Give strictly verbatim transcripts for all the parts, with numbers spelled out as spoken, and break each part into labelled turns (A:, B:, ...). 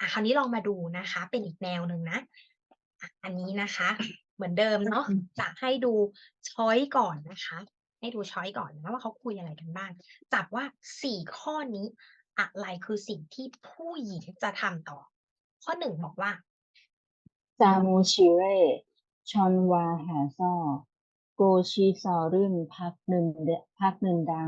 A: อ่ะคราวนี้ลองมาดูนะคะ เป็นอีกแนวหนึ่งนะอ่ะอันนี้นะคะ เหมือนเดิมเนาะจะให้ดูช้อยก่อนนะคะ ให้ดูช้อยก่อนนะว่าเขาคุยอะไรกันบ้างจับว่าสี่ข้อนี้อะไรคือสิ่งที่ผู้หญิงจะทำต่อ ข้อหนึ่งบอกว่า
B: ซามูชิเร่ ชอนวาหาซ่อ โกชิซอรึนพักหนึ่งเดพักหนึ่งดา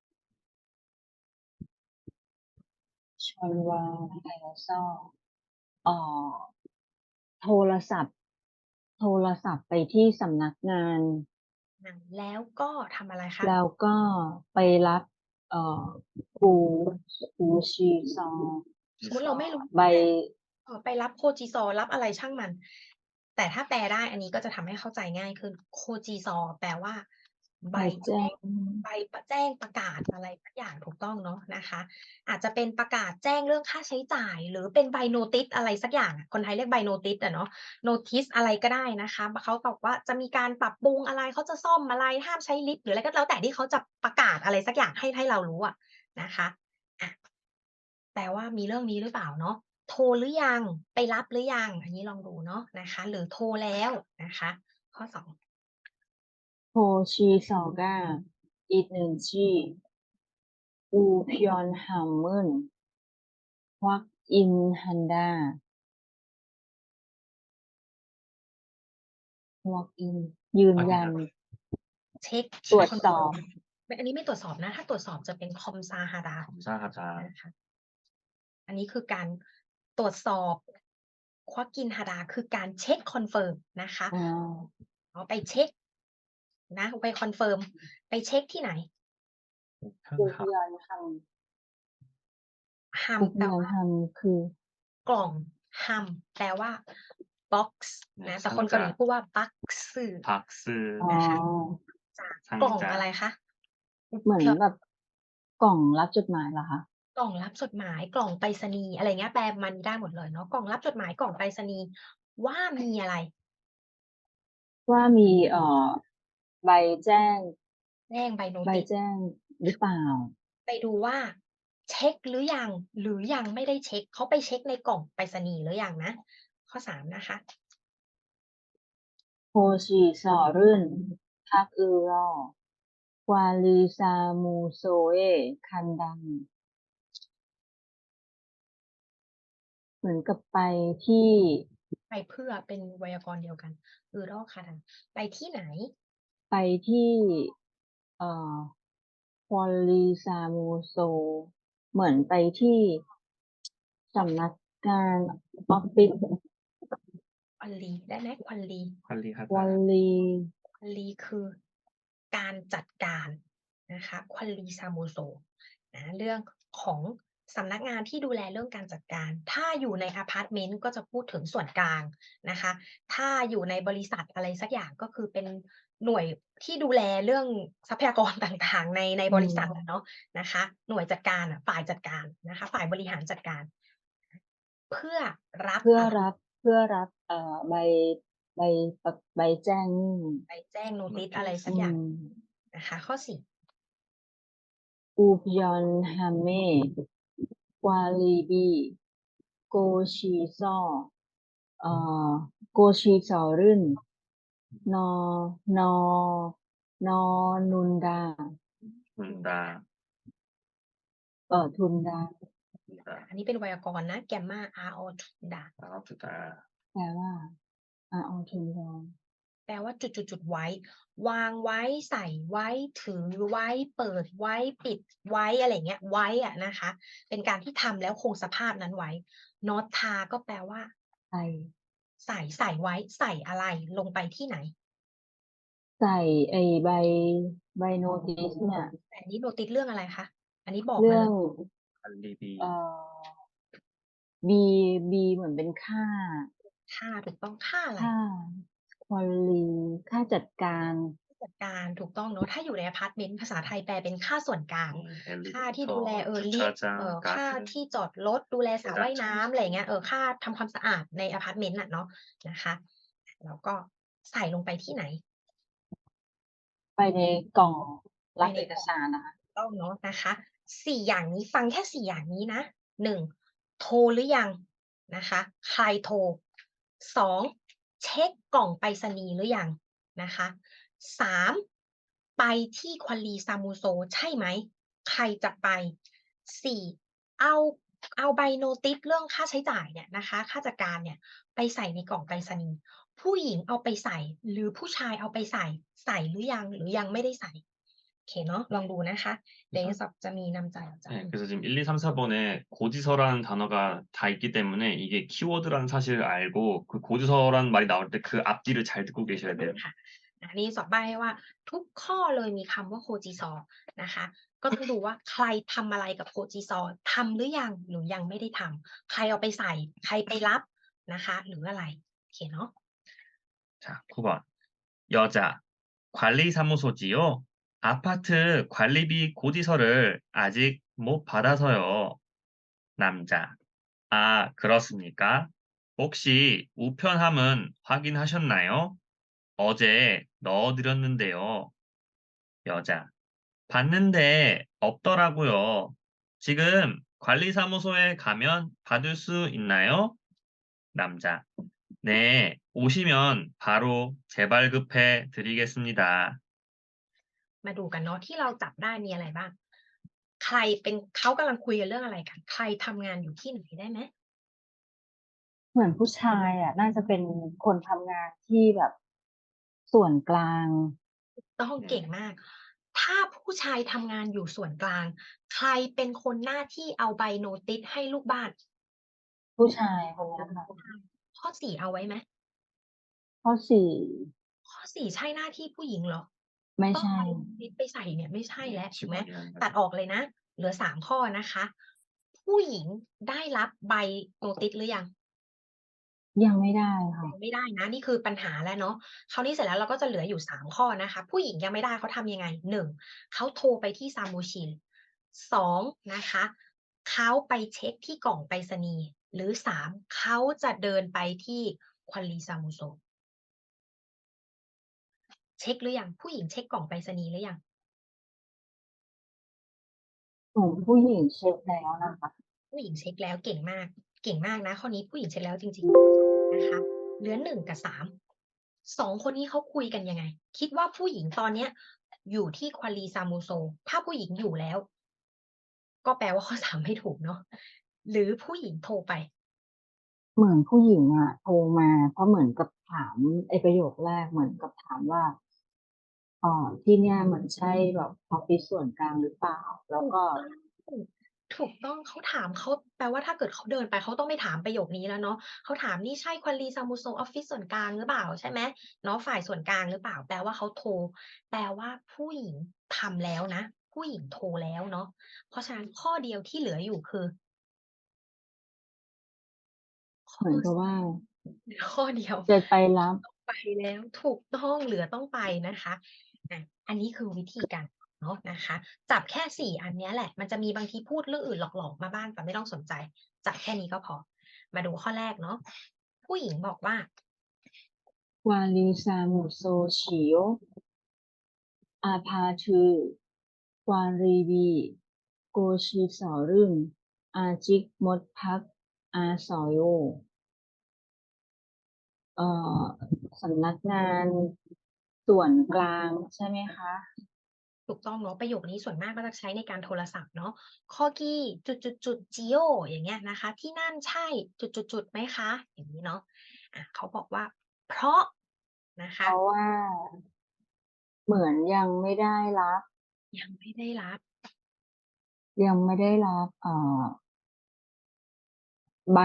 B: ชอนวาหาซ่อเอ่อโทรศัพท์ โทรศัพท์ไปที่สำนักงาน
A: แล้วก็ทำอะไรคะ
B: แล้วก็ไปรับเอ่อกูกูชีซอ
A: สมมติเราไม่รู้
B: ใบ
A: เอ่อไปรับโคจิซอรับอะไรช่างมัน แต่ถ้าแปลได้อันนี้ก็จะทำให้เข้าใจง่ายขึ้นโคจิซอแปลว่าใบ
B: ใบแจ้
A: แจ้ง
B: ง
A: ใบแจ้งประกาศอะไรสักอย่างถูกต้องเนาะนะคะ อาจจะเป็นประกาศแจ้งเรื่องค่าใช้จ่าย หรือเป็นใบโนติสอะไรสักอย่างอะคนไทยเรียกใบโนติสอะเนาะโนติสอะไรก็ได้นะคะเขาบอกว่าจะมีการปรับปรุงอะไรเขาจะซ่อมอะไรห้ามใช้ลิฟต์หรืออะไรก็แล้วแต่ที่เขาจะประกาศอะไรสักอย่างให้ให้เรารู้อะนะคะอะแปลว่ามีเรื่องนี้หรือเปล่าเนาะ โทรหรือยังไปรับหรือยังอันนี้ลองดูเนาะนะคะหรือโทรแล้วนะคะข้อสอง
B: โฮชีซอก้าอีกหนึ่งชื่ออูพยอนฮัมมึนฮวักอินฮันดาฮวักอินยืนยัน
A: เช็ค
B: ตรวจ
A: คอน
B: สอบ
A: เฟิร์มไม่อันนี้ไม่ตรวจสอบนะถ้าตรวจสอบจะเป็นคอมซาฮาดา
C: ใช่ครับใช่
A: นะคะอันนี้คือการตรวจสอบควักกินฮาดาคือการเช็คคอนเฟิร์มนะคะ
B: อ่า
A: เอาไปเช็คนะไปคอนเฟิร์มไปเช็คที่ไหน
B: อูพ
C: ครับ
B: ยอนฮัม
A: ฮัม
B: อูพ
A: แปลว่า
B: ยอนฮัมคือก
A: ล่องฮัมแปลว่า box นะแต่คนเกาหลีพูดว่าบักซึ
C: พักซื้อ
B: อ๋อ
A: นะคะจากกล่องอะไรคะอุ
B: เหมือน
A: เพียว
B: แบบกล่องรับจดหมายเหรอคะ
A: กล่องรับจดหมายกล่องไปรษณีย์อะไรเงี้ยแปลมันได้หมดเลยเนาะกล่องรับจดหมายกล่องไปรษณีย์ว่ามีอะไร
B: ว่ามีเอ่อใบแจ้ง
A: แจ้งใบโน
B: ใบ
A: ติส
B: แจ้งหรือเปล่า
A: ไปดูว่าเช็กหรือยังหรือยังไม่ได้เช็กเขาไปเช็กในกล่องไปรษณีย์หรือยังนะข้อสามนะคะ
B: โฮชีซอรึนพักอือรอ ควาลีซามูโซเอคันดังเหมือนกับไปที่
A: ไปเพื่อเป็นไวยากรณ์เดียวกันอือรอกค่ะทันไปที่ไหน
B: ไปที่เอ่อควาลีซามูโซเหมือนไปที่สำนักงานออฟฟิศ
A: ควันลีได้ไหมควันลี
C: พันลีครับ
B: ควาลี
A: ควันลีคือการจัดการนะคะควันลีซามูโซนะเรื่องของสำนักงานที่ดูแลเรื่องการจัดการ ถ้าอยู่ในอพาร์ตเมนต์ก็จะพูดถึงส่วนกลางนะคะ ถ้าอยู่ในบริษัทอะไรสักอย่างก็คือเป็นหน่วยที่ดูแลเรื่องทรัพยากรต่างๆในใน
B: อื
A: บริษัทอะ
B: ม
A: เนาะนะคะ หน่วยจัดการอะฝ่ายจัดการนะคะฝ่ายบริหารจัดการ เพื่อรับ
B: เพื่อ
A: อะไร
B: รับเพื่อรับเอ่อใบใบประใบแจ้งหนี้
A: ไปแจ้งโนติสอะไร
B: อื
A: สักอย่าง
B: ม
A: นะคะข้อสี่
B: อูพยอนฮัมเม่ควาลีบีโกชีซอเอ่อโกชีซอรึนนอนอนอนุนดา
C: ทุนดา
B: เอ่อทุนดา
C: ทุนดา
A: อันนี้เป็นไวยากรณ์นะแกมมาอาอทุนดา
C: ครับทุนดา
B: แปลว่าอ่าเอาทุนดา
A: แปลว่าจุดจุดจุดไว้ วางไว้ใส่ไว้ถือไว้เปิดไว้ปิดไว้อะไรเงี้ยไว้อะนะคะ เป็นการที่ทำแล้วคงสภาพนั้นไว้นอตทาก็แปลว่า
B: ใส่
A: ใส่ใส่ไว้ใส่อะไรลงไปที่ไหน
B: ใส่ไอ้ใบใบโนติสเนี่ย
A: แต่อันนี้โนติสเรื่องอะไรคะอันนี้บอกมาเลย
B: เรื่อง
C: พันลีบี
B: เอ่อ บีบีเหมือนเป็นค่า
A: ค่าถูกต้องค่าอะไร
B: ค่าควอลีค่าจัดการ
A: จัดการถูกต้องเนาะถ้าอยู่ในอพาร์ตเมนต์ภาษาไทยแปลเป็นค่าส่วนกลาง
C: เอลิ
A: ค่า
C: เว
A: ที่ดูแล
C: เตอร์
A: เออลิฟต์
C: 주차장
A: เอ่อค่า
C: 가드
A: ที่จอดรถดูแลสระว่ายน้ำอะไรอย่างเงี้ยเออค่าทำความสะอาดในอพาร์ตเมนต์น่ะเนาะนะคะแล้วก็ใส่ลงไปที่ไหน
B: ไปในกล่อง
A: ไป
B: รับเอก
A: ในกล่อง
B: สารนะคะ
A: ต้องเนาะนะคะสี่อย่างนี้ฟังแค่สี่อย่างนี้นะหนึ่งโทรหรือยังนะคะ ใครโทร สอง เช็กกล่องไปรษณีย์หรือยังนะคะ สาม ไปที่ควาลีซามูโซใช่ไหม ใครจะไป สี่ เอา เอาใบโนติสเรื่องค่าใช้จ่ายเนี่ยนะคะ ค่าจัดการเนี่ยไปใส่ในกล่องไปรษณีย์ ผู้หญิงเอาไปใส่ หรือผู้ชายเอาไปใส่ ใส่หรือยัง หรือยังไม่ได้ใส่ โอเคเนาะ ลองดูนะคะ เดี๋ยว
C: 그래서
A: จะมีนำจ่ายจ่าย
C: 네, 그래서 지금 일, 이, 삼, 사 번에 고지서라는 단어가 다 있기 때문에 이게 키워드라는 사실을 알고 그 고지서라는 말이 나올 때 그 앞뒤를 잘 듣고 계셔야 돼요.
A: ค่ะ อันนี้สอบใบ้ให้ว่าทุกข้อเลยมีคำว่าโคจิซอนะคะ ก็ต้องดูว่าใครทำอะไรกับโคจิซอ ทำหรือยัง หรือยังไม่ได้ทำ ใครเอาไปใส่ ใครไปรับนะคะ หรืออะไร โอเคเนาะ
C: 자, 구 번. 여자. 관리사무소지요? 아파트 관리비 고지서를 아직 못 받아서요. 남자. 아, 그렇습니까? 혹시 우편함은 확인하셨나요? 어제 넣어드렸는데요. 여자. 봤는데 없더라고요. 지금 관리사무소에 가면 받을 수 있나요? 남자. 네, 오시면 바로 재발급해 드리겠습니다.
A: มาดูกันเนาะ ที่เราจับได้มีอะไรบ้าง ใครเป็น เขากำลังคุยกันเรื่องอะไรกัน ใครทำงานอยู่ที่ไหนได้ไหม
B: เหมือนผู้ชายอะ น่าจะเป็นคนทำงานที่แบบส่วนกลาง
A: ถูกต้อง เก่งมาก ถ้าผู้ชายทำงานอยู่ส่วนกลาง ใครเป็นคนหน้าที่เอาใบโนติสให้ลูกบ้าน
B: ผู้ชายคนเนี้ยค่ะ
A: ข้อ สี่ เอาไว้ไหม
B: ข้อ สี่
A: ข้อ สี่ ใช่หน้าที่ผู้หญิงเหรอ
B: ไม่
A: ต้อง
B: ใช่
A: เอาโนติสไปใส่เนี่ย ไม่ใช่แล้วถูกไหม
C: 직원이 하는
A: ตัด
C: 거죠.
A: ออกเลยนะ เหลือ สาม ข้อนะคะ ผู้หญิงได้รับใบโนติสหรือยัง
B: ยังไม่ได้ค่ะ
A: ยังไม่ได้นะ นี่คือปัญหาแล้วเนาะ คราวนี้เสร็จแล้วเราก็จะเหลืออยู่ สาม ข้อนะคะ ผู้หญิงยังไม่ได้เขาทำยังไง หนึ่ง เขาโทรไปที่ซามูชิน สอง นะคะ เขาไปเช็กที่กล่องไปรษณีย์ หรือ สาม เขาจะเดินไปที่ควาลีซามูโซ เช็กหรือยัง ผู้หญิงเช็กกล่องไปรษณีย์หรือยัง
B: ของผู้หญิงเช็กแล้วนะคะ
A: ผู้หญิงเช็กแล้ว เก่งมาก เก่งมากนะ ข้อนี้ผู้หญิงเช็กแล้วจริง ๆ นะคะ เหลือ หนึ่ง กับ สาม สอง คนนี้เขาคุยกันยังไง คิดว่าผู้หญิงตอนเนี้ยอยู่ที่ควาลีซามูโซ ถ้าผู้หญิงอยู่แล้ว ก็แปลว่า ข้อ สาม ไม่ถูกเนาะ หรือผู้หญิงโทรไป
B: เหมือนผู้หญิงอะโทรมา เพราะเหมือนกับถาม ไอ้ประโยคแรกเหมือนกับถามว่า เอ่อ ที่เนี่ยมันใช่แบบออฟฟิศส่วนกลางหรือเปล่า? แล้วก็
A: ถูก ถูกต้อง เขาถาม เขาแปลว่าถ้าเกิดเขาเดินไป เขาต้องไม่ถามประโยคนี้แล้วเนาะ เขาถามนี่ใช่ควาลีซามูโซออฟฟิศส่วนกลางหรือเปล่า ใช่ไหม เนาะ ฝ่ายส่วนกลางหรือเปล่า แปลว่าเขาโทร แปลว่าผู้หญิงทำแล้วนะ ผู้หญิงโทรแล้วเนาะ เพราะฉะนั้นข้อเดียวที่เหลืออยู่คือ ข
B: เหมือนกับว่า
A: เหลือข้อเดียว
B: จะไปรับ
A: ต้องไปแล้ว ถูกต้อง เหลือต้องไปนะคะ อะ อันนี้คือวิธีการเนาะนะคะ จับแค่ สี่ อันเนี้ยแหละ มันจะมีบางทีพูดเรื่องอื่นหลอก ๆ มาบ้าง แต่ไม่ต้องสนใจ จับแค่นี้ก็พอ มาดูข้อแรกเนาะ ผู้หญิงบอกว่า
B: 관리사무소시요? 아파트 관리비 고시설은 아직 못 받아서요. เอ่อ สำนักงานส่วนกลางใช่ไหมคะ?
A: ถูกต้องเนาะ ประโยคนี้ส่วนมากก็จะใช้ในการโทรศัพท์เนาะ 거기 จุด ๆ ๆ 지요 อย่างเงี้ยนะคะ ที่นั่นใช่ จุด ๆ ๆ ไหมคะ อย่างงี้เนาะ อะ เขาบอกว่า เพราะ นะค
B: เพ
A: ะ
B: ราะว่า เหมือนยังไม่ได้รับ
A: ยังไม่ได้รับ
B: ยังไม่ได้รับ เอ่อ ใบ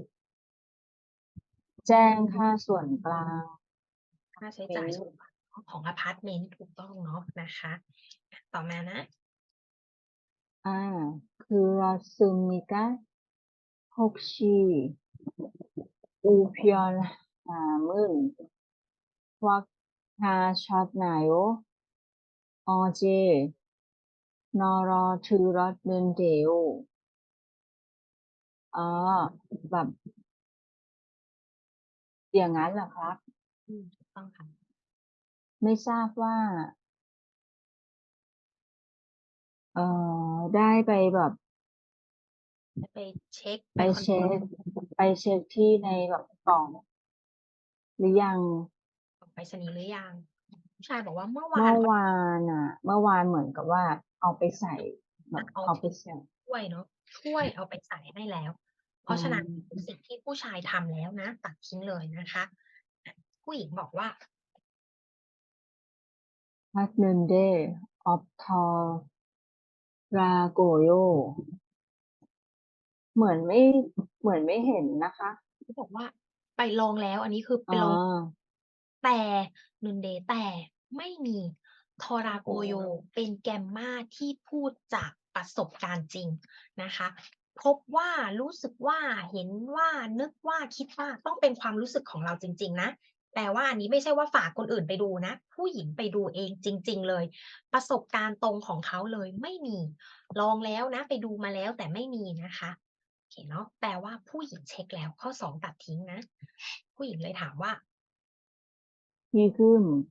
B: แจ้งค่าส่วนกลาง
A: ค่าใช้จ่าย
B: เมนต์
A: ส่วนกลางของอะพาร์ตเมนต์ ถูกต้องเนาะนะคะ อะ ต่อมานะ
B: 아, 그렇습니까? 혹시 우편함은 확하셨나요? 어제 널어들었는데요. อ๋อ แบบ อย่างงั้นเหรอครับ?
A: อืม ถูกต้องค่ะ
B: ไม่ทราบว่า เอ่อ ได้ไปแบบ
A: จะไปเช็ค
B: ไป
A: ไปคอน
B: เช็ค ไปเช็คที่ในแบบกล่อง หรือยัง?
A: กล่องไปรษณีย์หรือยัง? ผู้ชายบอกว่าเมื่อวา
B: เมื่
A: น
B: อวานน่ะ เมื่อวานเหมือนกับว่าเอาไปใส่ แบ
A: อะ
B: บ
A: เอา
B: เอา
A: ถ
B: ไปใส่
A: ถ้วยเนาะ ถ้วยเอาไปใส่ให้แล้ว เพ
B: อ๋
A: ราะฉะนั้น
B: อ
A: สิ่งที่ผู้ชายทำแล้วนะ ตัดทิ้งเลยนะคะ อะ ผู้หญิงบอกว่า
B: 했는데 없더라고요 เหมือนไม่ เหมือนไม่เห็นนะคะ
A: เขาบอกว่าไปลองแล้ว อันนี้คือไป
B: อ๋อ
A: ลอง แต่ 근데 แต่ไม่มี 더라고요 เป็น Grammar ที่พูดจากประสบการณ์จริงนะคะ พบว่า รู้สึกว่า เห็นว่า นึกว่า คิดว่า ต้องเป็นความรู้สึกของเราจริง ๆ นะ แปลว่าอันนี้ไม่ใช่ว่าฝากคนอื่นไปดูนะ ผู้หญิงไปดูเองจริง ๆ เลย ประสบการณ์ตรงของเขาเลย ไม่มี ลองแล้วนะ ไปดูมาแล้วแต่ไม่มีนะคะ โอเคเนาะ แปลว่าผู้หญิงเช็กแล้ว ข้อ สอง ตัดทิ้งนะ ผู้หญิงเลยถามว่า
B: 지금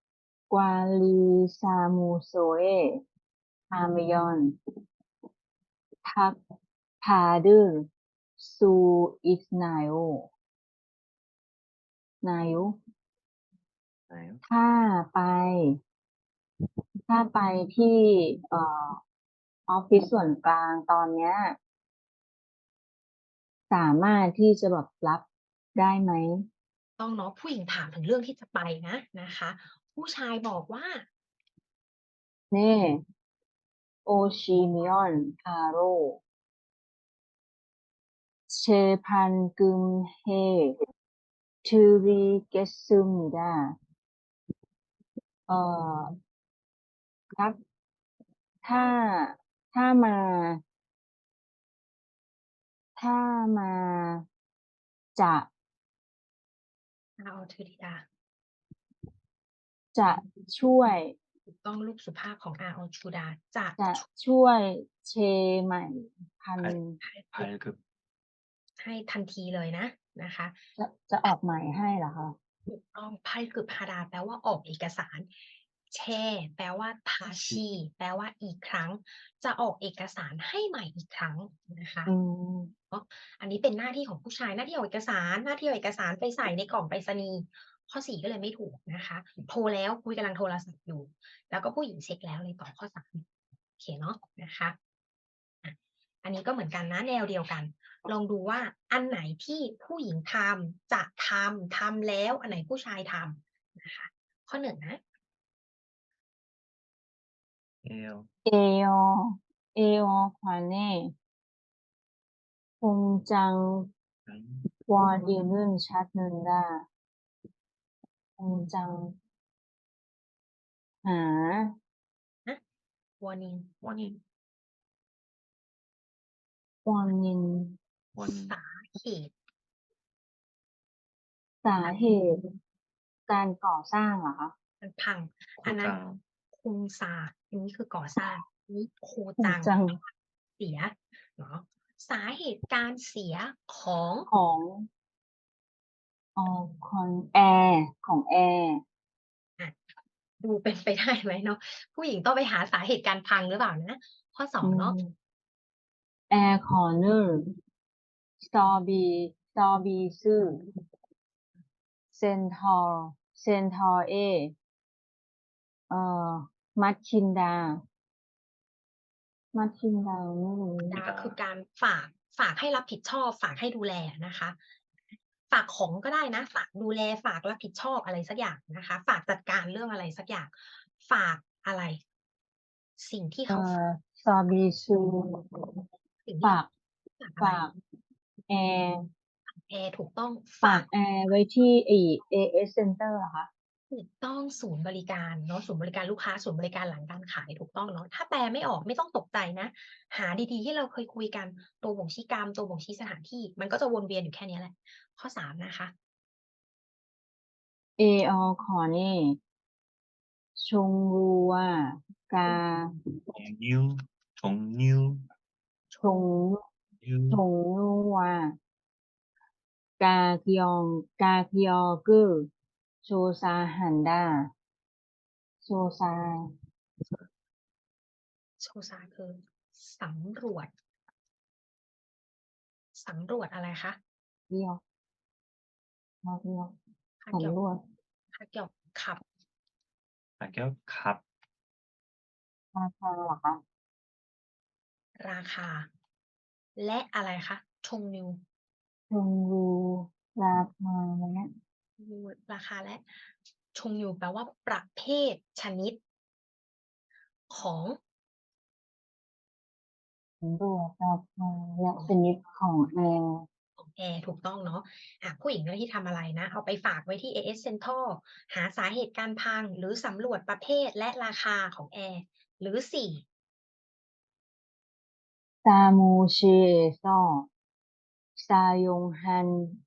B: 관리사무소에 가면 답 받을 수 있나요? 나요?
C: 나요?
B: ถ้าไป ถ้าไปที่ เอ่อ ออฟฟิศส่วนกลางตอนเนี้ย สามารถที่จะแบบรับได้ไหม?
A: ต้องเนาะ ผู้หญิงถามถึงเรื่องที่จะไปนะนะคะ ผู้ชายบอกว่า
B: 네. 오시면 바로 재반금해 드리겠습니다. เอ่อ ครับ ถ้า ถ้ามา ถ้ามา จะ
A: อาออทือดีดา
B: จะช่วย
A: ถูกต้องลูกสุภาพของอาออชูดา จะ
B: จะ
A: ช
B: ช่วยเชใหม่ พัน
C: 발
A: ให้
C: 발급
A: ให้ทันทีเลยนะนะคะ
B: จะ จะออกหมายให้เหรอคะ?
A: ถูกต้อง 발급하다 แปลว่าออกเอกสาร แช แปลว่า 다시 แปลว่าอีกครั้ง จะออกเอกสารให้ใหม่อีกครั้งนะคะ
B: อืม
A: เนาะ อันนี้เป็นหน้าที่ของผู้ชาย หน้าที่ออกเอกสาร หน้าที่เอาเอกสารไปใส่ในกล่องไปรษณีย์ ข้อ สี่ ก็เลยไม่ถูกนะคะ โทรแล้ว คุยกำลังโทรศัพท์อยู่ แล้วก็ผู้หญิงเช็กแล้วเลยตอบข้อ สาม โอเคเนาะนะคะ อะ อันนี้ก็เหมือนกันนะ แนวเดียวกัน ลองดูว่าอันไหนที่ผู้หญิงทำ จะทำ ทำแล้ว อันไหนผู้ชายทำนะคะ ข้อ หนึ่ง นะ
C: 에어
B: 에어, 에어컨의 공장
C: 음.
B: 원인은 찾는다. 공장 หา
A: ฮะ warning
C: 원인.
B: 원인
C: 원인.
A: สาเหตุ
B: สาเหตุ การก่อสร้างเหรอคะ?
A: มันพัง อันนั้น
C: 고장.
A: คุงซา อันนี้คือก่อสร้าง อันนี้โคจัง
B: 공장
A: เสียเนาะ สาเหตุการเสียของ
B: ของ ออ คอน แอร์ ของแอร์
A: อะ ดูเป็นไปได้ไหมเนาะ ผู้หญิงต้องไปหาสาเหตุการพังหรือเปล่านะ ข้อ สอ
B: อื
A: ง เนาะ
B: ม 에어컨을 서비 서비스 센터 센터에 어 맡긴다. 맡긴다 ไม่รู้
A: ดา คือการฝาก ฝากให้รับผิดชอบ ฝากให้ดูแลอะนะคะ ฝากของก็ได้นะ ฝากดูแล ฝากรับผิดชอบอะไรสักอย่างนะคะ ฝากจัดการเรื่องอะไรสักอย่าง ฝากอะไร สิ่งที่
B: เอ่
A: เขา ฝาก
B: อ 서비스
A: สิ่งท
B: ฝี
A: ่
B: าก
A: ฝากอะ
B: ฝ
A: ไร?
B: ากแอร์
A: แอร์ ถูกต้อง
B: ฝ
A: ฝ
B: า
A: าก
B: กแอร์ไว้ที่ไอ้ เอ เอส เซ็นเตอร์ เหรอคะ?
A: ถูกต้อง ศูนย์บริการเนาะ ศูนย์บริการลูกค้า ศูนย์บริการหลังการขาย ถูกต้องเนาะ ถ้าแปลไม่ออกไม่ต้องตกใจนะ หาดี ๆ ที่เราเคยคุยกัน ตัวบ่งชี้กรรม ตัวบ่งชี้สถานที่ มันก็จะวนเวียนอยู่แค่เนี้ยแหละ ข้อ สาม นะคะ
B: 에어컨의 종류와 가
C: 종류, 종류.
B: 종류
C: 류.
B: 종류와 가격 가격을 조사한다. 조사
A: โชซา คือสำรวจสำรวจอะไรคะ
B: เดียวมาเดียว
A: คาเกียว
B: สำรวจ
A: คาเกียวขับ
C: 가격 값
B: ราคาเหรอคะ
A: ราคา และอะไรคะชงยู
B: ชงยูราคาและ
A: ยูราคาและชงยูแปลว่าประเภทชนิด ของ
B: สำรวจราคาและชนิดของแอร์
A: ของแอร์ถูกต้องเนาะอ่ะผู้หญิงหน้าที่ทำอะไรนะ เอาไปฝากไว้ที่ เอ เอส Central หาสาเหตุการพัง หรือสำรวจประเภทและราคาของแอร์ หรือ สี่
B: 사무실에서 사용한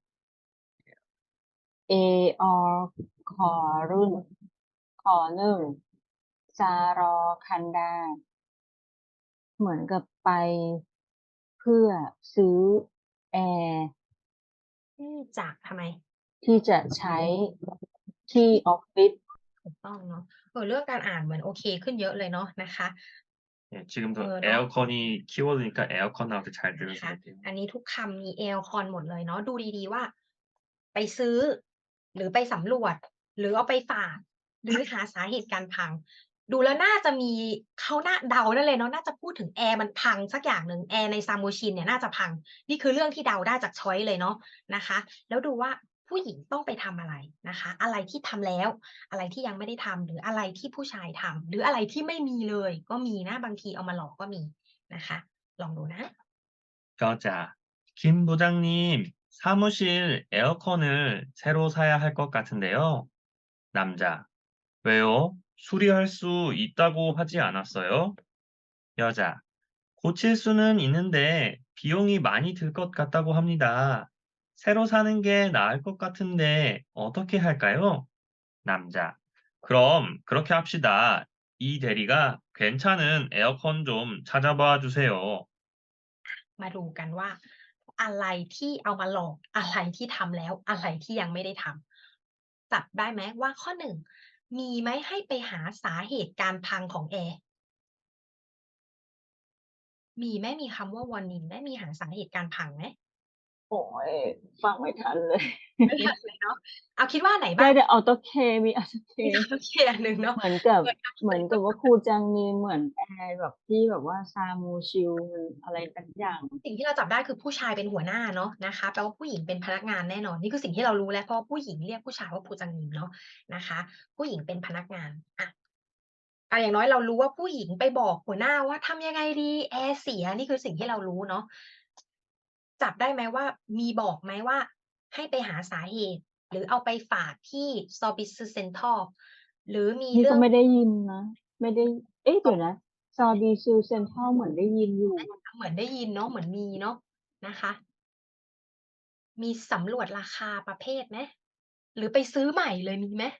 B: 에어컨을 건을 사러 간다 เหมือนกับไปเพื่อซื้อแอร์
A: ที่จะทำไม
B: ที่จะใช้ที่ออฟฟิศ
A: ถูกต้องเนาะเออเรื่องการอ่านเหมือนโอเคขึ้นเยอะเลยเนาะนะคะ
C: 예, 지금도
A: 어, 너-
C: 에어컨이 키워드니까 에어컨 나올 때 잘
A: นะ
C: 들으셔야
A: คะ
C: 돼요.
A: อันนี้ทุกคำมี แอล คอน หมดเลยเนาะดูดีๆว่า ไปซื้อ หรือไปสำรวจ หรือเอาไปฝาก หรือหาสาเหตุการพัง ดูแล้วน่าจะมีเขาน่าเดาได้เลยเนาะน่าจะพูดถึงแอร์มันพังสักอย่างหนึ่งแอร์ในซามูชินเนี่ยน่าจะพัง นี่คือเรื่องที่เดาได้จากช้อยเลยเนาะนะคะ แล้วดูว่าผู้หญิงต้องไปทำอะไรนะคะ อะไรที่ทำแล้ว อะไรที่ยังไม่ได้ทำหรืออะไรที่ผู้ชายทำหรืออะไรที่ไม่มีเลย ก็มีนะบางทีเอามาหลอกก็มีนะคะ ลองดูนะ
C: 여자, 김 부장님, 사무실 에어컨을 새로 사야 할 것 같은데요. 남자, 왜요? 수리할 수 있다고 하지 않았어요? 여자, 고칠 수는 있는데 비용이 많이 들 것 같다고 합니다. 새로 사는 게 나을 것 같은데 어떻게 할까요? 남자, 그럼 그렇게 합시다. 이 대리가 괜찮은 에어컨 좀 찾아봐 주세요.
A: มาดูกันว่า อะไรที่เอามาหลอก อะไรที่ทำแล้ว อะไรที่ยังไม่ได้ทำ จับได้ไหมว่าข้อ หนึ่ง มีไหมให้ไปหาสาเหตุการพังของแอร์ มีไหม มีคำว่า warning ไหม มีหาสาเหตุการพังไหม?
B: โอ้ย ฟังไม่ทันเลย
A: ไม่ทันเลยเนาะ อ้าวคิดว่าไหน
B: ได้
A: บ้าง?
B: แต่ AutoCAD มี
A: มี
B: AutoCAD
A: AutoCAD อันหนึ่งเนาะ
B: เหมือนกับ
A: เหมือน
B: เหมือนกับว่าครูจังมีเหมือนแอร์แบบที่แบบว่า Samuchiel มันอะไรสักอย่าง
A: สิ่งที่เราจับได้คือผู้ชายเป็นหัวหน้าเนาะนะคะ แปลว่าผู้หญิงเป็นพนักงานแน่นอน นี่คือสิ่งที่เรารู้แล้ว เพราะว่าผู้หญิงเรียกผู้ชายว่า 부장님 เนาะนะคะ ผู้หญิงเป็นพนักงาน อะ อะอย่างน้อยเรารู้ว่าผู้หญิงไปบอกหัวหน้าว่าทำยังไงดีแอร์เสีย นี่คือสิ่งที่เรารู้เนาะ จับได้ไหมว่า มีบอกไหมว่า ให้ไปหาสาเหตุ หรือเอาไปฝากที่ Service Central หรือมี
B: นี่
A: เรื่
B: ก็
A: อง
B: ไม่ได้ยินนะ ไม่ได้ เอ๊ะ เดี๋ยวนะ Service Central เหมือนได้ยินอยู่
A: เหมือนได้ยินเนาะ เหมือนมีเนาะนะคะ มีสำรวจราคาประเภทไหม หรือไปซื้อใหม่เลยมีไหม?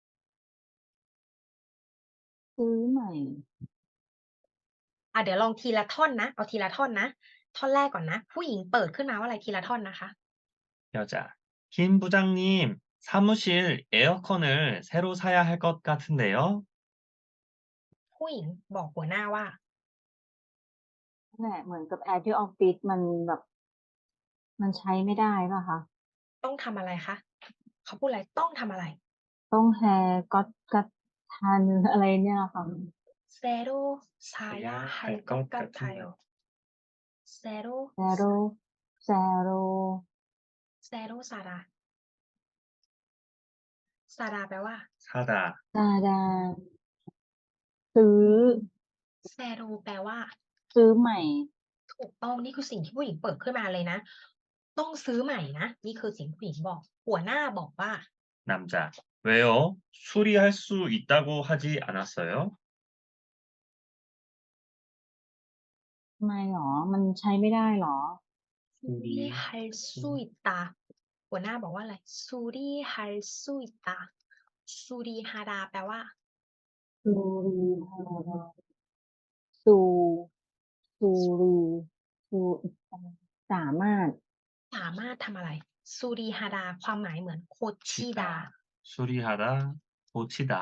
B: ซื้อใหม่
A: อ่า เดี๋ยวลองทีละท่อนนะ เอาทีละท่อนนะ ท่อนแรกก่อนนะ ผู้หญิงเปิดขึ้นมาว่าอะไร ทีละท่อนนะคะ
C: 여자, 김 부장님, 사무실 에어컨을 새로 사야 할 것 같은데요.
A: ผู้หญิงบอกหัวหน้าว่า
B: นั่นแหละ เหมือนกับแอร์ที่ออฟฟิศมันแบบ มันใช้ไม่ได้เปล่าคะ?
A: ต้องทำอะไรคะ เขาพูดอะไร ต้องทำอะไร?
B: ต้อง haircut กัด ทัน อะไรเนี่ยค่ะ
A: 새로 사야 할 것 같아요. 새로
B: 새로, 새로
A: 새로 사라. 사라 แปลว่า
C: 사다,
B: 사다 ซื้อ
A: 새로 แปลว่า
B: ซื้อใหม่
A: ถูกต้อง นี่คือสิ่งที่ผู้หญิงเปิดขึ้นมาเลยนะ ต้องซื้อใหม่นะ นี่คือสิ่งที่ผู้หญิงบอก หัวหน้าบอกว่า
C: 남자, 왜요? 수리할 수 있다고 하지 않았어요?
B: ทำไมเหรอ มันใช้ไม่ได้เหรอ?
A: 수리할 수 있다 หัวหน้าบอกว่าอะไร 수리할 수 있다 수리하다 แปลว่า
B: 수리하다 ซู ซูรี ซูอิตา สามารถ
A: สามารถทำอะไร 수리하다 ความหมายเหมือน 고치다
C: 수리하다, 고치다.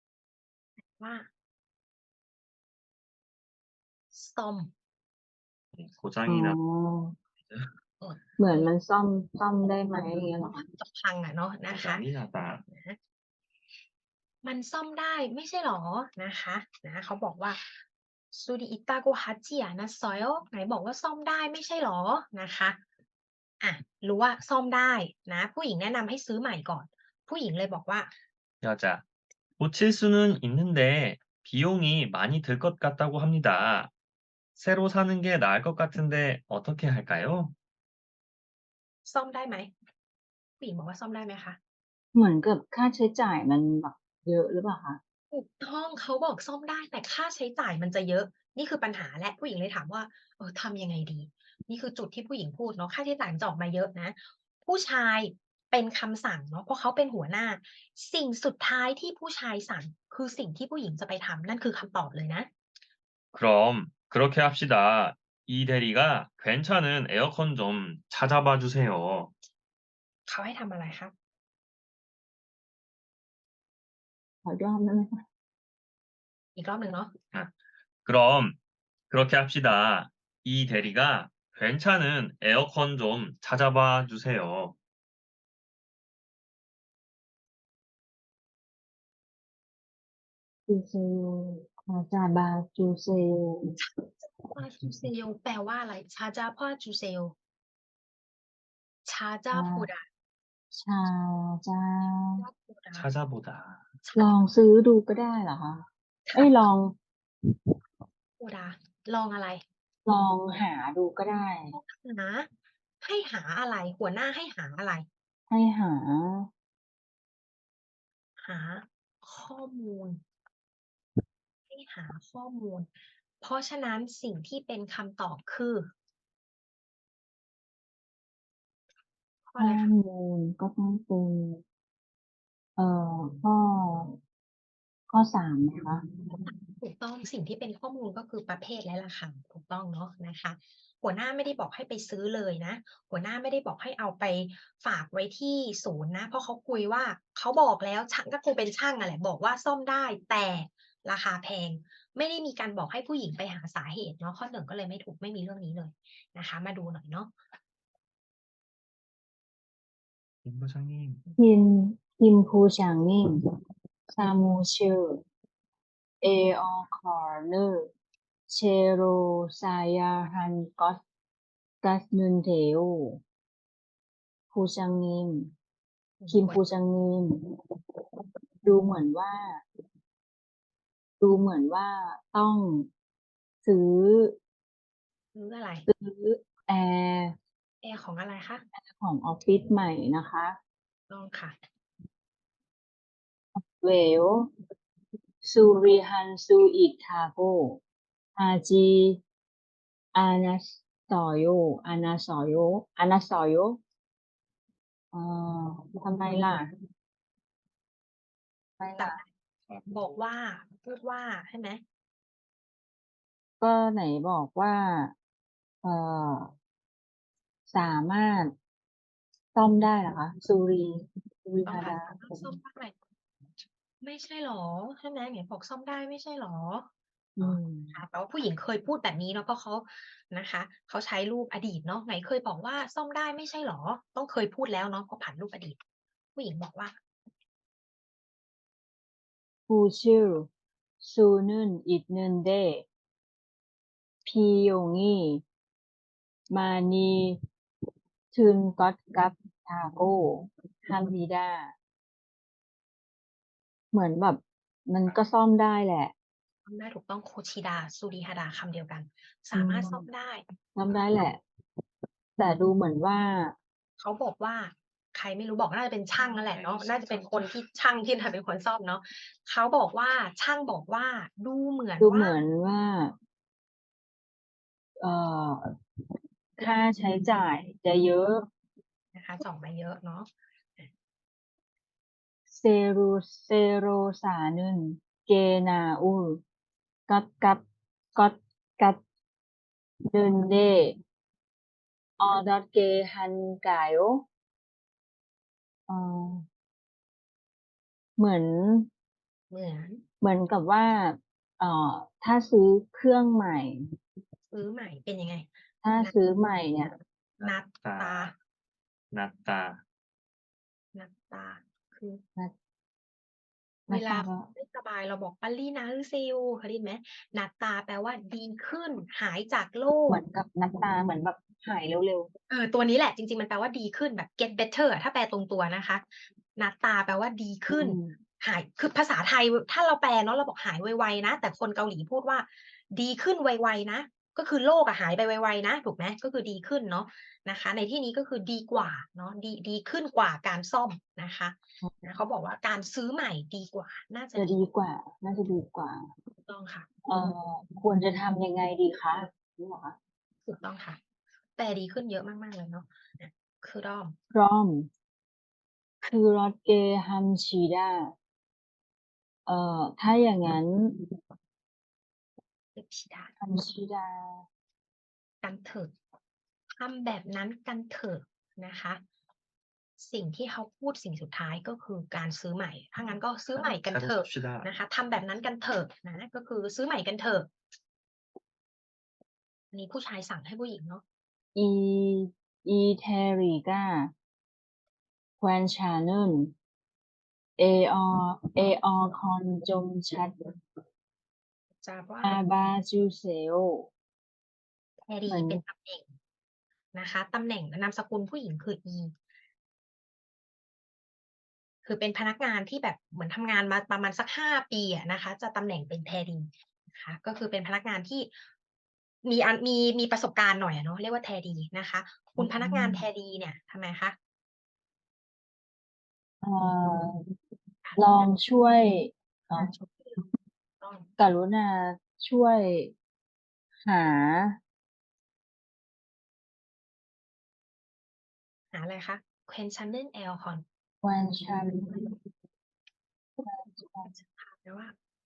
A: ว่า ซ่อม
C: 네,
B: อ๋อ
C: 고장이 나.
A: อด
B: เหมือนมันซ่อมซ่อมได้ไหมอย่างเงี้ยเหรอ
A: ว่าจะพังอะเนาะนะคะ
C: 고장이 나다.
A: นะมันซ่อมได้ไม่ใช่หรอนะคะนะเขาบอกว่า "수리 있다고 하지 않았어요?" ไหนบอกว่าซ่อมได้ไม่ใช่หรอนะคะอะรู้ว่าซ่อมได้นะ ผู้หญิงแนะนำให้ซื้อใหม่ก่อน ผู้หญิงเลยบอกว่า
C: 여자. 고칠 수는 있는데 비용이 많이 들 것 같다고 합니다. 새로 사는 게 나을 것 같은데 어떻게 할까요?
A: ซ่อมได้ไหม ผู้หญิงบอกว่าซ่อมได้ไหมคะ
B: เหมือนกับค่าใช้จ่ายมันแบบเยอะหรือเปล่าคะ?
A: ถูกต้อง เขาบอกซ่อมได้ แต่ค่าใช้จ่ายมันจะเยอะ นี่คือปัญหาและ ผู้หญิงเลยถามว่า "เออ ทำยังไงดี?" นี่คือจุดที่ผู้หญิงพูดเนาะ ค่าใช้จ่ายมันจะออกมาเยอะนะ ผู้ชายเป็นคำสั่งเนาะ เพราะเขาเป็นหัวหน้า สิ่งสุดท้ายที่ผู้ชายสั่ง คือสิ่งที่ผู้หญิงจะไปทำ นั่นคือคำตอบเลยนะ
C: 그럼 그렇게 합시다. 이 대리가 괜찮은 에어컨 좀 찾아봐 주세요.
A: เขาให้ทำอะไรคะ?
B: ขออีกรอบได้ไหมคะ?
A: อีกรอบหนึ่งเนาะ
C: 아. 그럼 그렇게 합시다. 이 대리가 괜찮은 에어컨 좀 찾아봐 주세요.
B: 주세요. 찾아봐 주세요.
A: 찾아봐 주세요 แปลว่าอะไร? 찾아봐 주세요. 찾아
B: 아.
A: 보다.
B: 찾아
A: 찾아보다.
C: 찾아보다.
B: ลองซื้อดูก็ได้เหรอคะ? เอ๊ย ลอง
A: 보다 ลองอะไร?
B: ลองหาดูก็ได้
A: ลองหา ให้หาอะไร? หัวหน้าให้หาอะไร?
B: ให้หา
A: หาข้อมูล ให้หาข้อมูล เพราะฉะนั้นสิ่งที่เป็นคำตอบคือ ข้อ
B: ข้
A: อะไร
B: อ
A: คะ?
B: มูลก็ต้องเป็น เอ่อ ข้อ ข้อ สาม ไหมคะ?
A: ถูกต้อง สิ่งที่เป็นข้อมูลก็คือประเภทและราคา ถูกต้องเนาะนะคะ หัวหน้าไม่ได้บอกให้ไปซื้อเลยนะ หัวหน้าไม่ได้บอกให้เอาไปฝากไว้ที่ศูนย์นะ เพราะเขาคุยว่า เขาบอกแล้ว ช่าง ก็คงเป็นช่างอะแหละ บอกว่าซ่อมได้ แต่ราคาแพง ไม่ได้มีการบอกให้ผู้หญิงไปหาสาเหตุเนาะ ข้อ หนึ่ง ก็เลยไม่ถูก ไม่มีเรื่องนี้เลยนะคะ มาดูหน่อยเนาะ
C: 김 부장님.
B: 김, 김 부장님, 사무실 에어컨을 새로 사야 할 것 같는데요. 부장님, 김 부장님 ดูเหมือนว่า ดูเหมือนว่าต้องซื้อ
A: ซื้ออะไร?
B: ซื้อแอร์
A: แอร์ของอะไรคะ?
B: แอร์ของออฟฟิศใหม่นะคะ
A: ต้องค่ะ
B: 왜요? 수리할 수 있다고 하지 않았어요. 않았어요. 않았어요. เอ่อ ทำไมล่ะ? ทำไม
A: แต่
B: ล่ะ?
A: บอกว่า พูดว่าใช่ไหม?
B: ก็ไหนบอกว่า เอ่อ สามารถ ซ่อมได้เหรอคะ? 수리,
A: ต้องค่ะ
B: 수리하다.
A: สามารถซ่อมได้ ไม่ใช่เหรอ? ใช่ไหม? ไหนบอกซ่อมได้ไม่ใช่เหรอ?
B: อื
A: อ๋อ
B: ม
A: ค่ะ แต่ว่าผู้หญิงเคยพูดแบบนี้เนาะ เพราะเขานะคะ เขาใช้รูปอดีตเนาะ ไหนเคยบอกว่าซ่อมได้ไม่ใช่เหรอ? ต้องเคยพูดแล้วเนาะ เพราะผ่านรูปอดีต ผู้หญิงบอกว่า
B: 고칠 수는 있는데 비용이 많이 든 것 같다고 합니다. เหมือนแบบมันก็ซ่อมได้แหละ
A: ซ่อมได้ ถูกต้อง 고치다, 수리하다 คำเดียวกัน ส
B: อื
A: ามารถซ่อม
B: ม
A: ได้
B: ซ่อมได้แหละ แต่ดูเหมือนว่า
A: เขาบอกว่า ใครไม่รู้บอก น่าจะเป็นช่างนั่นแหละเนาะ น่าจะเป็นคนที่ช่างที่น่าเป็นคนซ่อมเนาะ เขาบอกว่า ช่างบอกว่า ดูเหมือน
B: ดู
A: ว่
B: เหมือนว่า เอ่อ ค่าใช้จ่ายจะเยอะ
A: นะคะจะออกมาเยอะเนาะ อา
B: 새로, 새로 사는 게 나을 것 같, 것 같는데 어떻게 할까요? เอ่อ เหมือน
A: เหมือน
B: เหมือนกับว่า เอ่อ ถ้าซื้อเครื่องใหม่
A: ซื้อใหม่เป็นยังไง?
B: ถ้า
A: นัด
B: ซื้อใหม่เนี่ย
A: นัดตา
C: 낫다. 낫다.
A: นัดตา คือ
B: นัด
A: เว
B: นัด
A: ลา
B: ตา ก็
A: ไม่สบายเราบอก 빨리 나으세요 เคยได้ยินไหม? นัดตาแปลว่าดีขึ้น หายจากโร
B: เหมื
A: ค
B: อนกับนัดตา เหมือนแบบหายเร็ว ๆ
A: เออ ตัวนี้แหละ จริง ๆ มันแปลว่าดีขึ้นแบบ get better อะ ถ้าแปลตรงตัวนะคะ นัดตาแปลว่าดี
B: อื
A: ขึ้น
B: ม
A: หาย คือภาษาไทย ว ถ้าเราแปลเนาะ เราบอกหายไว ๆ นะ แต่คนเกาหลีพูดว่า ดีขึ้นไว ๆ นะ ก็คือโรคอะหายไปไว ๆ นะ ถูกไหม? ก็คือดีขึ้นเนาะนะคะ ในที่นี้ก็คือดีกว่าเนาะ ดี ดีขึ้นกว่าการซ่อมนะคะ
B: อือ
A: นะ เขาบอกว่าการซื้อใหม่ดีกว่า น่าจะ
B: จะ
A: ดี
B: ดีกว่า น่าจะดีกว่า
A: ถูกต้องค่ะ
B: เอ่อ ควรจะทำยังไงดีคะ? งี้เหรอคะ?
A: ถูกต้องค่ะ แปลดีขึ้นเยอะมาก ๆ เลยเนาะ อะ 그럼
B: 그럼 그렇게 합시다 เอ่อ ถ้าอย่างงั้น
A: 합시다
B: 합시다
A: กันเถิด ทำแบบนั้นกันเถอะนะคะ สิ่งที่เขาพูดสิ่งสุดท้าย ก็คือการซื้อใหม่ ถ้างั้นก็ซื้อใหม่กันเถ
C: 새로
A: อะ
C: 삽시다.
A: นะคะ ทำแบบนั้นกันเถอะนะ ก็คือซื้อใหม่กันเถอะ อันนี้ผู้ชายสั่งให้ผู้หญิงเนาะ
B: 이 이 대리가 괜찮은 에어 에어컨 좀 찾
A: จะว่า
B: 아봐 주세요
A: แท
B: เหมือน
A: เป็นตำแหน่งนะคะ ตำแหน่ง นามสกุลผู้หญิงคือ อี คือเป็นพนักงานที่แบบเหมือนทำงานมาประมาณสัก ห้า ปีอะนะคะ จะตำแหน่งเป็น แท นะคะ ก็คือเป็นพนักงานที่มีอัน มี มีประสบการณ์หน่อยอะเนาะ เรียกว่า แท นะคะ ค
B: อุื
A: ณพนักงาน แท
B: ม
A: เนี่ย ทำไมคะ?
B: เอ่อ
A: ค่ะ
B: ลองช่วย เอ่อ
A: ต้อง
B: กรุณาช่วย หา
A: หาอะไรคะ? 괜찮은 에어컨
B: 괜찮은
A: แปลว่า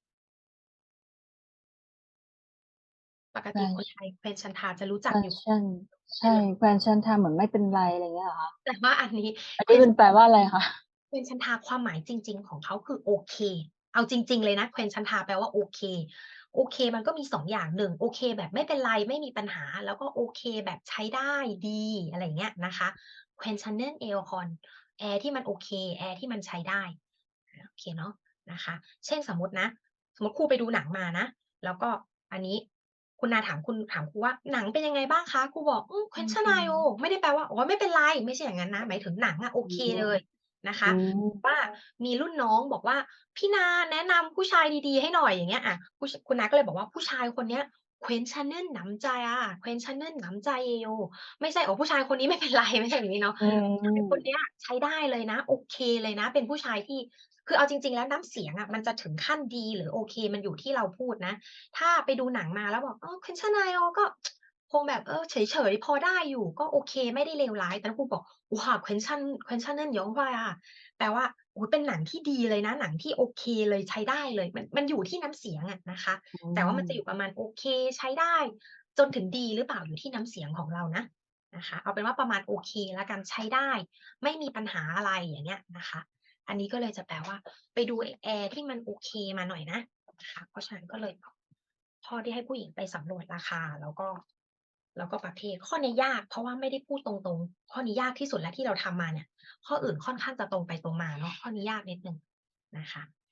A: ปก
B: แฟ
A: ติคนไทย 괜찮다 จะรู้จักอยู่
B: 괜찮 ใช่ 괜찮다 เหมือนไม่เป็นไร อะไรอย่างเงี้ยเหรอคะ?
A: แต่ว่าอันนี้
B: อันนี้มันแปลว่าอะไรคะ?
A: 괜찮다 ความหมายจริง ๆ ของเขาคือโอเค เอาจริง ๆ เลยนะ 괜찮다 แปลว่าโอเค โอเคมันก็มี สอง อย่าง หนึ่ง โอเคแบบไม่เป็นไร ไม่มีปัญหา แล้วก็โอเคแบบใช้ได้ ดี อะไรอย่างเงี้ยนะคะ 괜찮은 에어컨 แอร์ที่มันโอเค แอร์ที่มันใช้ได้ อา โอเคเนาะ นะคะ เช่น สมมุตินะ สมมุติครูไปดูหนังมานะ แล้วก็อันนี้คุณนาถามคุณ ถามครูว่า "หนังเป็นยังไงบ้างคะ?" ครูบอก "อืม 괜찮아요" ไม่ได้แปลว่า "อ๋อ ไม่เป็นไร" ไม่ใช่อย่างงั้นนะ หมายถึงหนังอะโอ
B: อื
A: เค
B: ม
A: เลยนะคะ
B: อืม
A: ว่ามีรุ่นน้องบอกว่า "พี่นาแนะนำผู้ชายดี ๆ ให้หน่อย" อย่างเงี้ย อะ ผู้ ช คุณน้าก็เลยบอกว่า "ผู้ชายคนเนี้ย 괜찮은 남자야. 괜찮은 남자예요" ไม่ใช่ "อ๋อ ผู้ชายคนนี้ ไม่เป็นไร" ไม่ใช่อย่างงี้เนาะ
B: อื
A: ผู้ชายคน
B: ม
A: เนี้ยใช้ได้เลยนะ โอเคเลยนะ เป็นผู้ชายที่ คือเอาจริง ๆ แล้วน้ำเสียงอะมันจะถึงขั้นดีหรือโอเค มันอยู่ที่เราพูดนะ ถ้าไปดูหนังมาแล้วบอก "เออ 괜찮아요" ก็ คงแบบ เออ เฉย ๆ พอได้อยู่ ก็โอเค ไม่ได้เลวร้าย แต่ถ้าครูบอก "와 괜찮 괜찮은 영화야" แปลว่า โอ้โฮ เป็นหนังที่ดีเลยนะ หนังที่โอเคเลย ใช้ได้เลย มัน มันอยู่ที่น้ำเสียงอะนะคะ
B: อื
A: แต่ว่ามันจะอ
B: ม
A: ยู่ประมาณโอเค ใช้ได้ จนถึงดีหรือเปล่า อยู่ที่น้ำเสียงของเรานะ นะคะ เอาเป็นว่าประมาณโอเคแล้วกัน ใช้ได้ ไม่มีปัญหาอะไร อย่างเงี้ยนะคะ อันนี้ก็เลยจะแปลว่า ไปดูไอ้แอร์ที่มันโอเคมาหน่อยนะ นะคะ เพราะฉะนั้นก็เลย ข้อที่ให้ผู้หญิงไปสำรวจราคา แล้วก็ แล้วก็ประเภท ข้อเนี้ยยาก เพราะว่าไม่ได้พูดตรง ๆ ข้อนี้ยากที่สุดแล้วที่เราทำมาเนี่ย ข้ออื่นค่อนข้างจะตรงไปตรงมาเนาะ ข้อนี้ยากนิดหนึ่งนะคะ